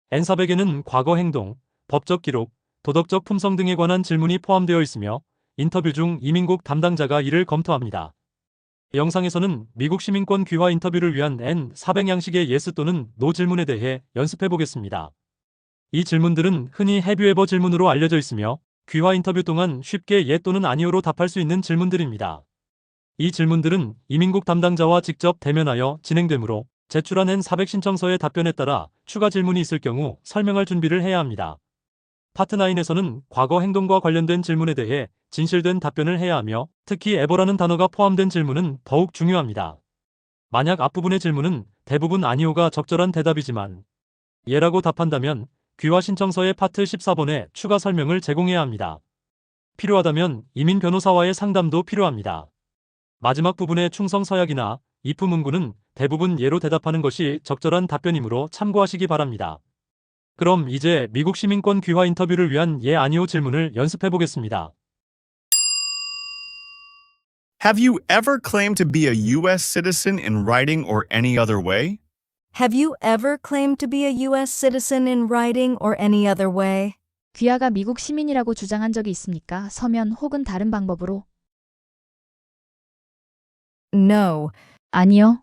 N400에는 과거 행동, 법적 기록, 도덕적 품성 등에 관한 질문이 포함되어 있으며 인터뷰 중 이민국 담당자가 이를 검토합니다. 영상에서는 미국 시민권 귀화 인터뷰를 위한 N400 양식의 yes 또는 no 질문에 대해 연습해 보겠습니다. 이 질문들은 흔히 Have you ever 질문으로 알려져 있으며 귀화 인터뷰 동안 쉽게 예 또는 아니오로 답할 수 있는 질문들입니다. 이 질문들은 이민국 담당자와 직접 대면하여 진행되므로 제출한 N400 신청서의 답변에 따라 추가 질문이 있을 경우 설명할 준비를 해야 합니다. 파트 9에서는 과거 행동과 관련된 질문에 대해 진실된 답변을 해야 하며 특히 ever라는 단어가 포함된 질문은 더욱 중요합니다. 만약 앞부분의 질문은 대부분 아니오가 적절한 대답이지만 예라고 답한다면 귀화 신청서의 파트 14번에 추가 설명을 제공해야 합니다. 필요하다면 이민 변호사와의 상담도 필요합니다. 마지막 부분의 충성 서약이나 if 문구는 대부분 예로 대답하는 것이 적절한 답변이므로 참고하시기 바랍니다. 그럼 이제 미국 시민권 귀화 인터뷰를 위한 예 아니오 질문을 연습해 보겠습니다. Have you ever claimed to be a U.S. citizen in writing or any other way? Have you ever claimed to be a U.S. citizen in writing or any other way? 귀하가 미국 시민이라고 주장한 적이 있습니까? 서면 혹은 다른 방법으로? No. 아니요.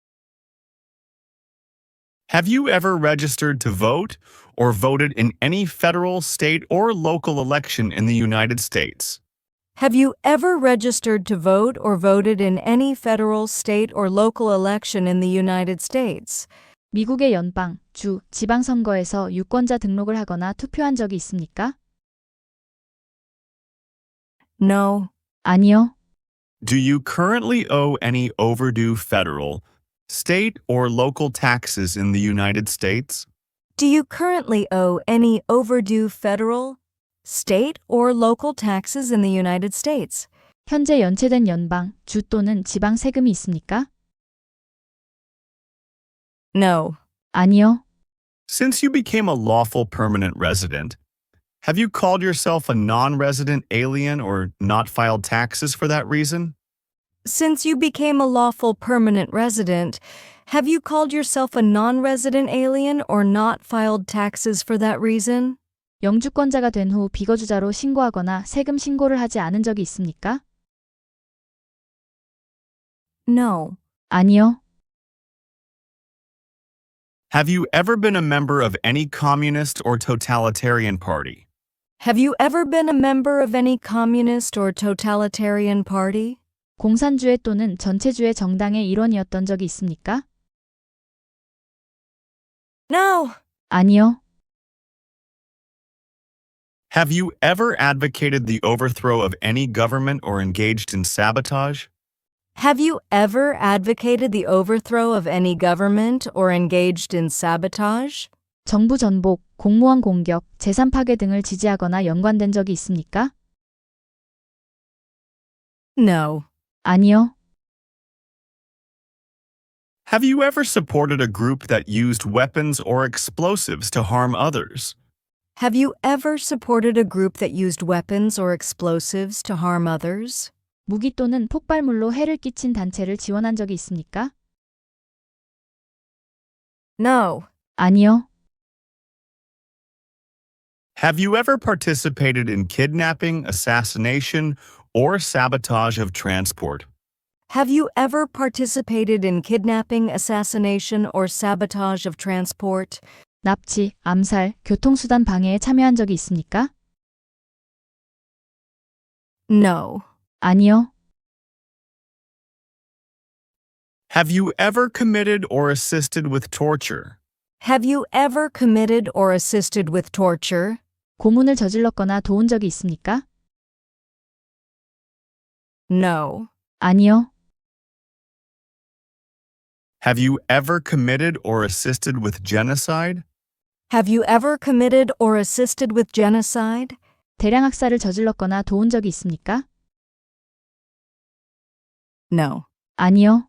Have you ever registered to vote or voted in any federal, state, or local election in the United States? Have you ever registered to vote or voted in any federal, state, or local election in the United States? 미국의 연방, 주, 지방선거에서 유권자 등록을 하거나 투표한 적이 있습니까? No. 아니요. Do you currently owe any overdue federal, state, or local taxes in the United States? Do you currently owe any overdue federal, state, or local taxes in the United States? 현재 연체된 연방, 주 또는 지방 세금이 있습니까? No. 아니요. Since you became a lawful permanent resident, have you called yourself a non-resident alien or not filed taxes for that reason? Since you became a lawful permanent resident, have you called yourself a non-resident alien or not filed taxes for that reason? 영주권자가 된 후 비거주자로 신고하거나 세금 신고를 하지 않은 적이 있습니까? No. 아니요. Have you ever been a member of any communist or totalitarian party? Have you ever been a member of any communist or totalitarian party? 공산주의 또는 전체주의 정당의 일원이었던 적이 있습니까? No. 아니요. Have you ever advocated the overthrow of any government or engaged in sabotage? Have you ever advocated the overthrow of any government or engaged in sabotage? 정부 전복, 공무원 공격, 재산 파괴 등을 지지하거나 연관된 적이 있습니까? No. 아니요. Have you ever supported a group that used weapons or explosives to harm others? Have you ever supported a group that used weapons or explosives to harm others? 무기 또는 폭발물로 해를 끼친 단체를 지원한 적이 있습니까? No. 아니요. Have you ever participated in kidnapping, assassination, or sabotage of transport? Have you ever participated in kidnapping, assassination, or sabotage of transport? 납치, 암살, 교통수단 방해에 참여한 적이 있습니까? No. 아니요. Have you ever committed or assisted with torture? Have you ever committed or assisted with torture? 고문을 저질렀거나 도운 적이 있습니까? No. 아니요. Have you ever committed or assisted with genocide? Have you ever committed or assisted with genocide? 대량 학살을 저질렀거나 도운 적이 있습니까? No. 아니요.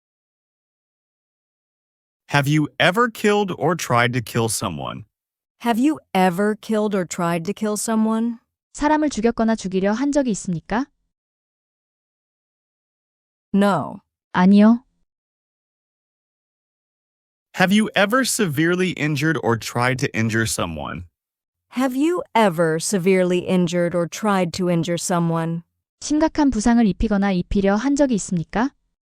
Have you ever killed or tried to kill someone? Have you ever killed or tried to kill someone? 사람을 죽였거나 죽이려 한 적이 있습니까? No. 아니요. Have you ever severely injured or tried to injure someone? Have you ever severely injured or tried to injure someone? 심각한 부상을 입히거나 입히려 한 적이 있습니까?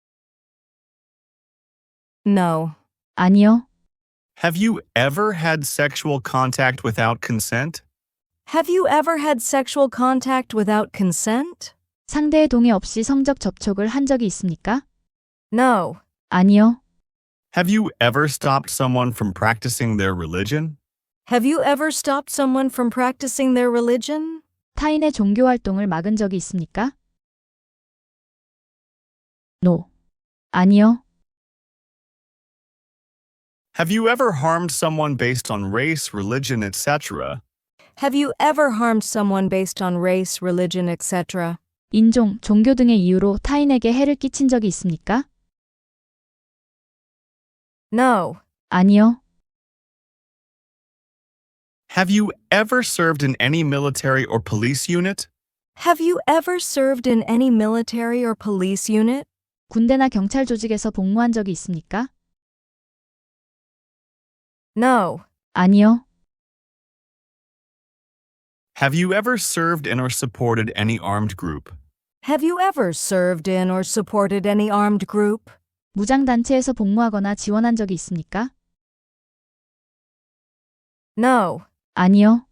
No. 아니요. Have you ever had sexual contact without consent? Have you ever had sexual contact without consent? 상대의 동의 없이 성적 접촉을 한 적이 있습니까? No. 아니요. Have you ever stopped someone from practicing their religion? Have you ever stopped someone from practicing their religion? 타인의 종교 활동을 막은 적이 있습니까? No. 아니요. Have you ever harmed someone based on race, religion, etc.? Have you ever harmed someone based on race, religion, etc.? 인종, 종교 등의 이유로 타인에게 해를 끼친 적이 있습니까? No. 아니요. Have you ever served in any military or police unit? Have you ever served in any military or police unit? 군대나 경찰 조직에서 복무한 적이 있습니까? No. 아니요. Have you ever served in or supported any armed group? Have you ever served in or supported any armed group? 무장단체에서 복무하거나 지원한 적이 있습니까? No. 아니요.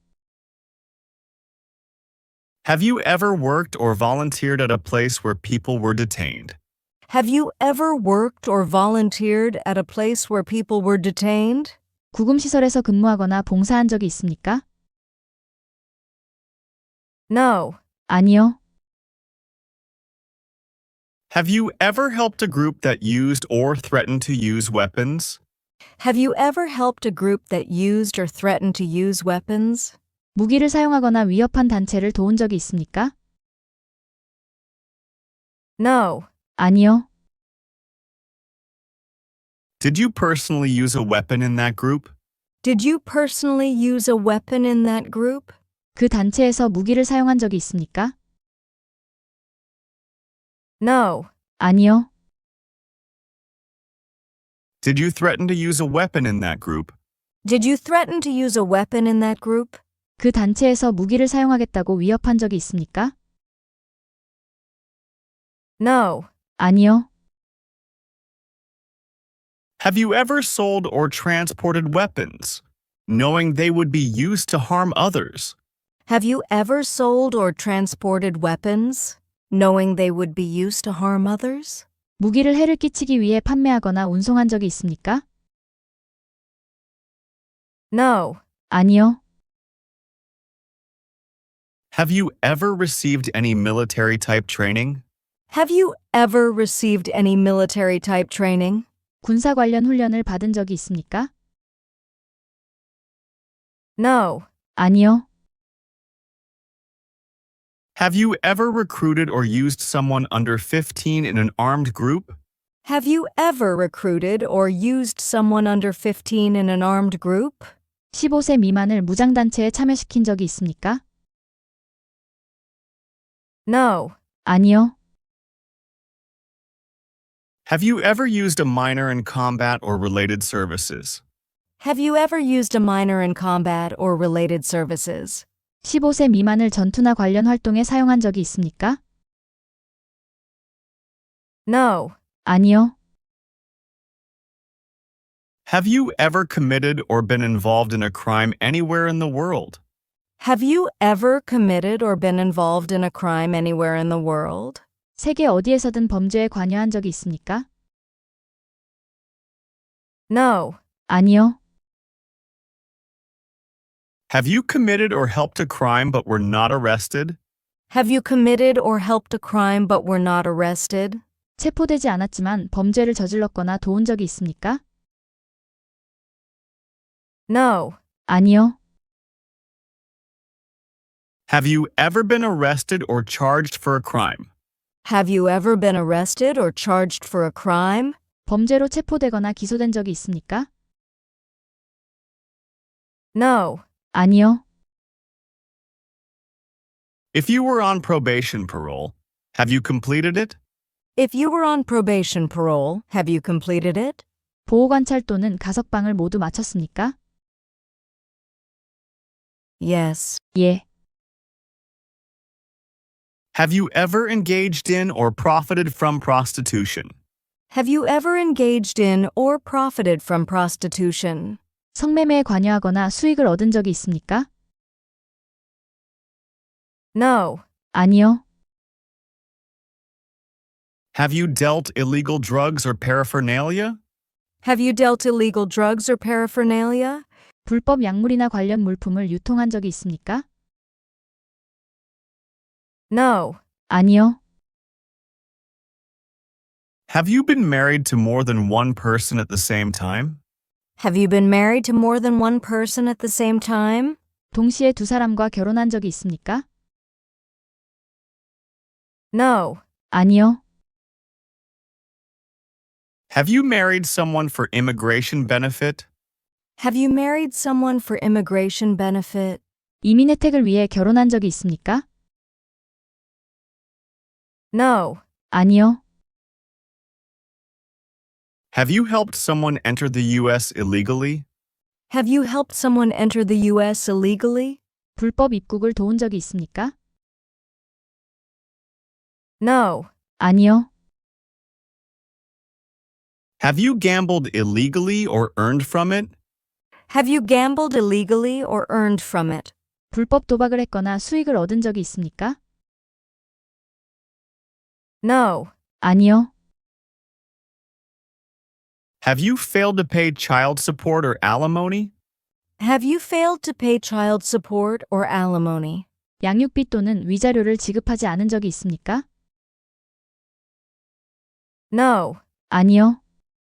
Have you ever worked or volunteered at a place where people were detained? Have you ever worked or volunteered at a place where people were detained? 구금시설에서 근무하거나 봉사한 적이 있습니까? No. 아니요. Have you ever helped a group that used or threatened to use weapons? Have you ever helped a group that used or threatened to use weapons? 무기를 사용하거나 위협한 단체를 도운 적이 있습니까? No. 아니요. Did you personally use a weapon in that group? Did you personally use a weapon in that group? 그 단체에서 무기를 사용한 적이 있습니까? No. 아니요. Did you threaten to use a weapon in that group? Did you threaten to use a weapon in that group? 그 단체에서 무기를 사용하겠다고 위협한 적이 있습니까? No. 아니요. Have you ever sold or transported weapons, knowing they would be used to harm others? Have you ever sold or transported weapons, knowing they would be used to harm others? 무기를 해를 끼치기 위해 판매하거나 운송한 적이 있습니까? No. 아니요. Have you ever received any military type training? Have you ever received any military type training? 군사 관련 훈련을 받은 적이 있습니까? No. 아니요. Have you ever recruited or used someone under 15 in an armed group? Have you ever recruited or used someone under 15 in an armed group? 15세 미만을 무장단체에 참여시킨 적이 있습니까? No. 아니요. Have you ever used a minor in combat or related services? Have you ever used a minor in combat or related services? 15세 미만을 전투나 관련 활동에 사용한 적이 있습니까? No. 아니요. Have you ever committed or been involved in a crime anywhere in the world? Have you ever committed or been involved in a crime anywhere in the world? 세계 어디에서든 범죄에 관여한 적이 있습니까? No. 아니요. Have you committed or helped a crime but were not arrested? Have you committed or helped a crime but were not arrested? 체포되지 않았지만 범죄를 저질렀거나 도운 적이 있습니까? No. 아니요. Have you ever been arrested or charged for a crime? Have you ever been arrested or charged for a crime? 범죄로 체포되거나 기소된 적이 있습니까? No. 아니요. If you were on probation parole, have you completed it? If you were on probation parole, have you completed it? 보호관찰 또는 가석방을 모두 마쳤습니까? Yes. 예. Have you ever engaged in or profited from prostitution? Have you ever engaged in or profited from prostitution? 성매매에 관여하거나 수익을 얻은 적이 있습니까? No. 아니요. Have you dealt illegal drugs or paraphernalia? Have you dealt illegal drugs or paraphernalia? 불법 약물이나 관련 물품을 유통한 적이 있습니까? No. 아니요. Have you been married to more than one person at the same time? Have you been married to more than one person at the same time? 동시에 두 사람과 결혼한 적이 있습니까? No. 아니요. Have you married someone for immigration benefit? Have you married someone for immigration benefit? 이민 혜택을 위해 결혼한 적이 있습니까? No. 아니요. Have you helped someone enter the U.S. illegally? Have you helped someone enter the U.S. illegally? 불법 입국을 도운 적이 있습니까? No. 아니요. Have you gambled illegally or earned from it? Have you gambled illegally or earned from it? 불법 도박을 했거나 수익을 얻은 적이 있습니까? No. 아니요. Have you failed to pay child support or alimony? Have you failed to pay child support or alimony? 양육비 또는 위자료를 지급하지 않은 적이 있습니까? No. 아니요.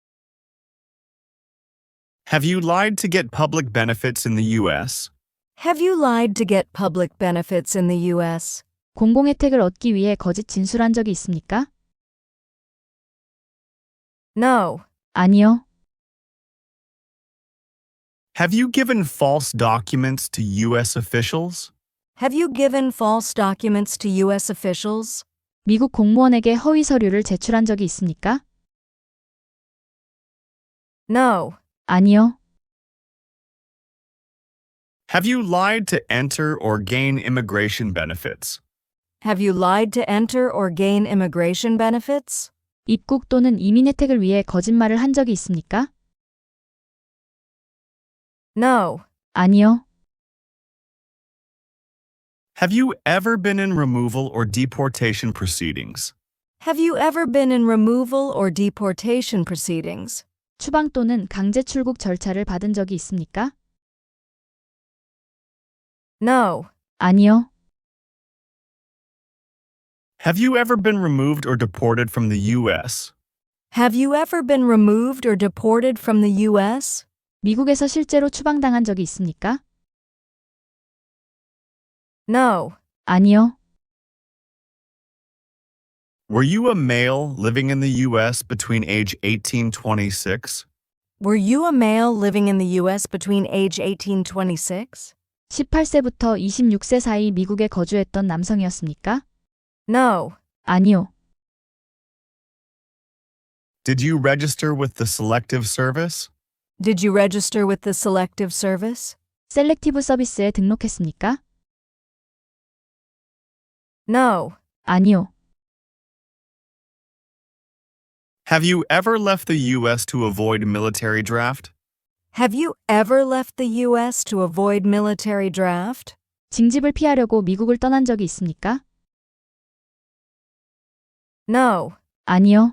Have you lied to get public benefits in the U.S.? Have you lied to get public benefits in the U.S.? 공공 혜택을 얻기 위해 거짓 진술한 적이 있습니까? No. 아니요. Have you given false documents to U.S. officials? Have you given false documents to U.S. officials? 미국 공무원에게 허위 서류를 제출한 적이 있습니까? No. 아니요. Have you lied to enter or gain immigration benefits? Have you lied to enter or gain immigration benefits? 입국 또는 이민 혜택을 위해 거짓말을 한 적이 있습니까? No. 아니요. Have you ever been in removal or deportation proceedings? Have you ever been in removal or deportation proceedings? 추방 또는 강제 출국 절차를 받은 적이 있습니까? No. 아니요. Have you ever been removed or deported from the U.S.? Have you ever been removed or deported from the U.S.? 미국에서 실제로 추방당한 적이 있습니까? No. 아니요. Were you a male living in the U.S. between age 18 and 26? Were you a male living in the U.S. between age 18 and 26? 18세부터 26세 사이 미국에 거주했던 남성이었습니까? No. 아니요. Did you register with the Selective Service? Did you register with the Selective Service? 셀렉티브 서비스에 등록했습니까? No. 아니요. Have you ever left the U.S. to avoid military draft? Have you ever left the U.S. to avoid military draft? 징집을 피하려고 미국을 떠난 적이 있습니까? No. 아니요.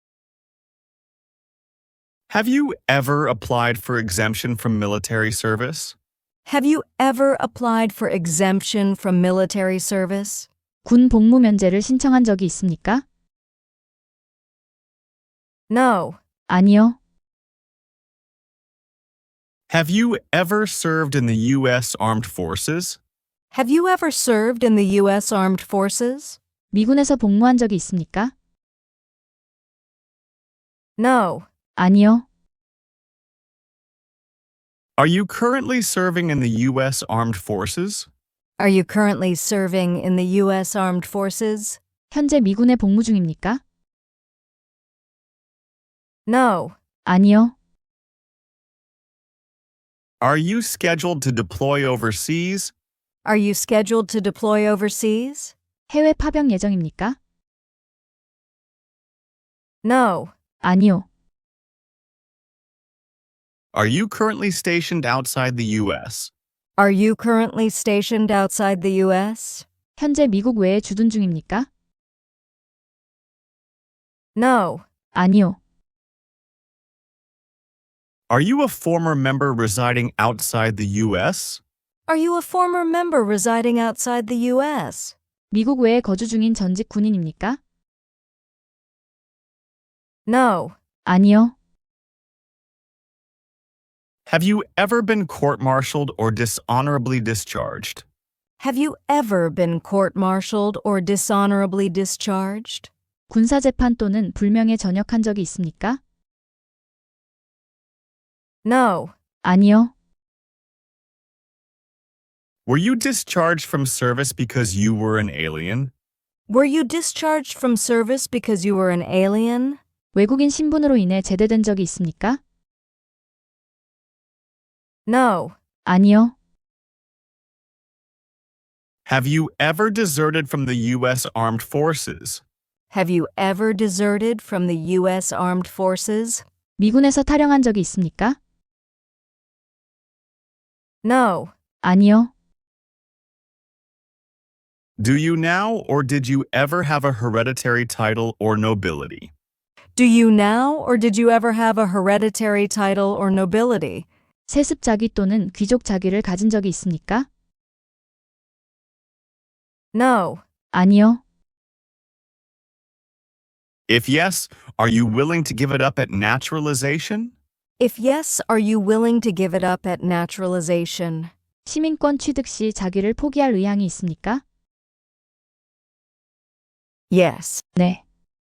Have you ever applied for exemption from military service? Have you ever applied for exemption from military service? 군 복무 면제를 신청한 적이 있습니까? No. 아니요. Have you ever served in the U.S. Armed Forces? Have you ever served in the U.S. Armed Forces? 미군에서 복무한 적이 있습니까? No. 아니요. Are you currently serving in the U.S. Armed Forces? Are you currently serving in the U.S. Armed Forces? 현재 미군에 복무 중입니까? No. 아니요. Are you scheduled to deploy overseas? Are you scheduled to deploy overseas? 해외 파병 예정입니까? No. 아니요. Are you currently stationed outside the U.S.? Are you currently stationed outside the U.S.? 현재 미국 외에 주둔 중입니까? No. 아니요. Are you a former member residing outside the U.S.? Are you a former member residing outside the U.S.? 미국 외에 거주 중인 전직 군인입니까? No. 아니요. Have you ever been court-martialed or dishonorably discharged? Have you ever been court-martialed or dishonorably discharged? 군사재판 또는 불명예 전역한 적이 있습니까? No. 아니요. Were you discharged from service because you were an alien? Were you discharged from service because you were an alien? 외국인 신분으로 인해 제대된 적이 있습니까? No. 아니요. Have you ever deserted from the U.S. Armed Forces? Have you ever deserted from the U.S. Armed Forces? 미군에서 탈영한 적이 있습니까? No. 아니요. Do you now or did you ever have a hereditary title or nobility? Do you now or did you ever have a hereditary title or nobility? 세습 자기 또는 귀족 자기를 가진 적이 있습니까? No. 아니요. If yes, are you willing to give it up at naturalization? If yes, are you willing to give it up at naturalization? 시민권 취득 시 자기를 포기할 의향이 있습니까? Yes. 네.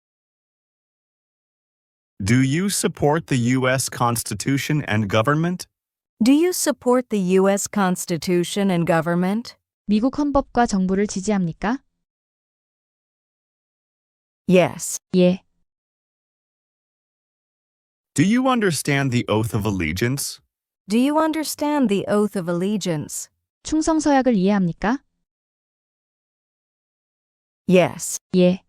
Do you support the U.S. Constitution and government? Do you support the U.S. Constitution and government? 미국 헌법과 정부를 지지합니까? Yes. 예. Do you understand the oath of allegiance? Do you understand the oath of allegiance? 충성서약을 이해합니까? Yes. 예.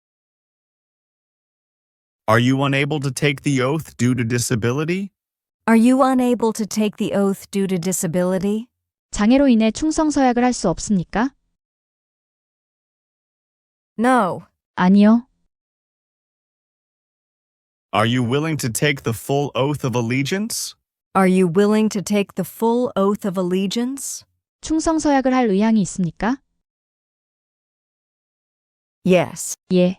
Are you unable to take the oath due to disability? Are you unable to take the oath due to disability? 장애로 인해 충성서약을 할 수 없습니까? No. 아니요. Are you willing to take the full oath of allegiance? Are you willing to take the full oath of allegiance? 충성서약을 할 의향이 있습니까? Yes. 예.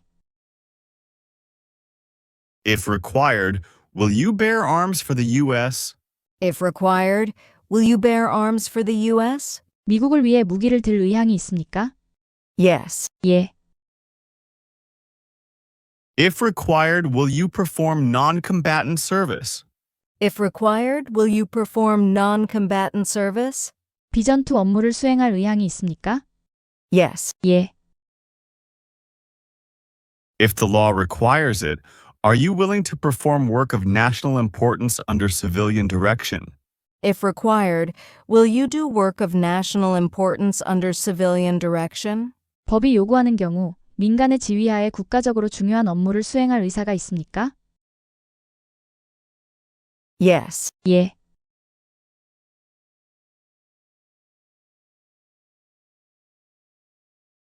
If required, will you bear arms for the U.S.? If required, will you bear arms for the U.S.? 미국을 위해 무기를 들 의향이 있습니까? Yes. 예. If required, will you perform non-combatant service? If required, will you perform non-combatant service? 비전투 업무를 수행할 의향이 있습니까? Yes. 예. If the law requires it, are you willing to perform work of national importance under civilian direction? If required, will you do work of national importance under civilian direction? 법이 요구하는 경우 민간의 지휘하에 국가적으로 중요한 업무를 수행할 의사가 있습니까? Yes. 예.